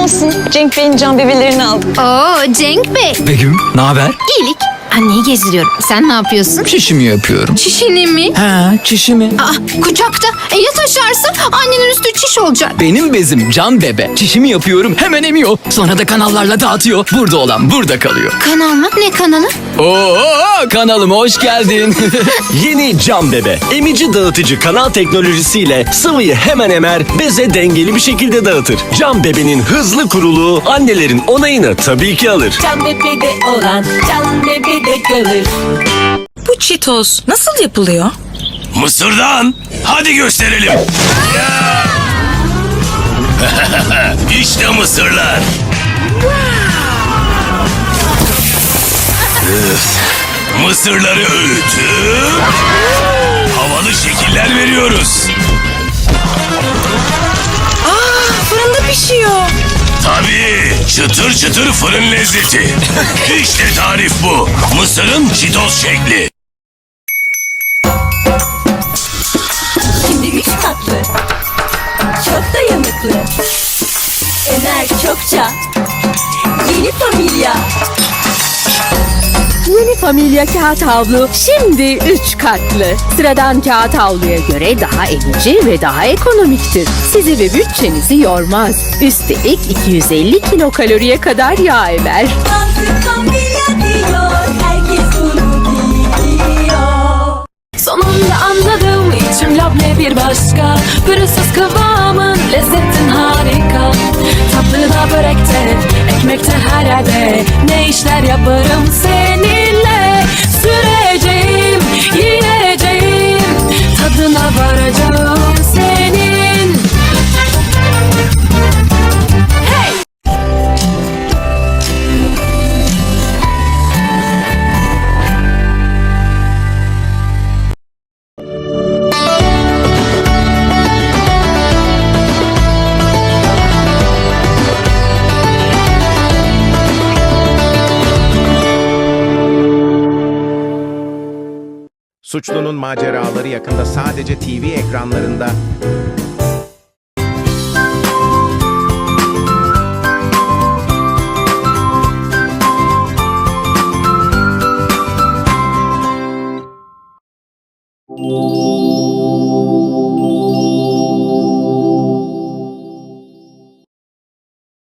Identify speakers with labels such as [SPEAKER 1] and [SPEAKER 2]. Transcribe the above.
[SPEAKER 1] olsun. Cenk Bey'in can bebelerini aldım.
[SPEAKER 2] Oo Cenk Bey.
[SPEAKER 3] Begüm, ne haber?
[SPEAKER 2] İyilik. Anneyi gezdiriyorum. Sen ne yapıyorsun?
[SPEAKER 3] Çişimi yapıyorum.
[SPEAKER 2] Çişini mi?
[SPEAKER 3] Ha, çişimi.
[SPEAKER 2] Kucakta. Ya taşarsın? Annenin üstü çiş olacak.
[SPEAKER 3] Benim bezim can bebe. Çişimi yapıyorum, hemen emiyor. Sonra da kanallarla dağıtıyor. Burada olan burada kalıyor.
[SPEAKER 2] Kanal mı? Ne kanalı?
[SPEAKER 3] Oo, kanalıma hoş geldin.
[SPEAKER 4] Yeni Can Bebe. Emici dağıtıcı kanal teknolojisiyle sıvıyı hemen emer, beze dengeli bir şekilde dağıtır. Can Bebe'nin hızlı kuruluğu annelerin onayını tabii ki alır.
[SPEAKER 5] Can bebede olan can bebede kalır.
[SPEAKER 6] Bu Cheetos nasıl yapılıyor?
[SPEAKER 7] Mısırdan. Hadi gösterelim. İşte mısırlar. Mısırları öğütüp havalı şekiller veriyoruz.
[SPEAKER 6] Fırında pişiyor.
[SPEAKER 7] Tabii, çıtır çıtır fırın lezzeti. İşte tarif bu. Mısırın Cheetos şekli.
[SPEAKER 5] Şimdi 3 katlı. Çok dayanıklı. Ener çokça. Yeni familya.
[SPEAKER 8] Yeni Familya Kağıt Havlu şimdi 3 katlı. Sıradan kağıt havluya göre daha emici ve daha ekonomiktir. Sizi ve bütçenizi yormaz. Üstelik 250 kilokaloriye kadar yağ emer.
[SPEAKER 5] Mantık familya diyor. Herkes bunu biliyor.
[SPEAKER 9] Sonunda anladım içim labne bir başka. Pürüzsüz kıvamın lezzetin harika. Tatlıda börekte, ekmekte her yerde. Ne işler yaparım seninle. Süreceğim, yiyeceğim. Tadına varacağım senin. Hey!
[SPEAKER 10] Suçlunun maceraları yakında sadece TV ekranlarında.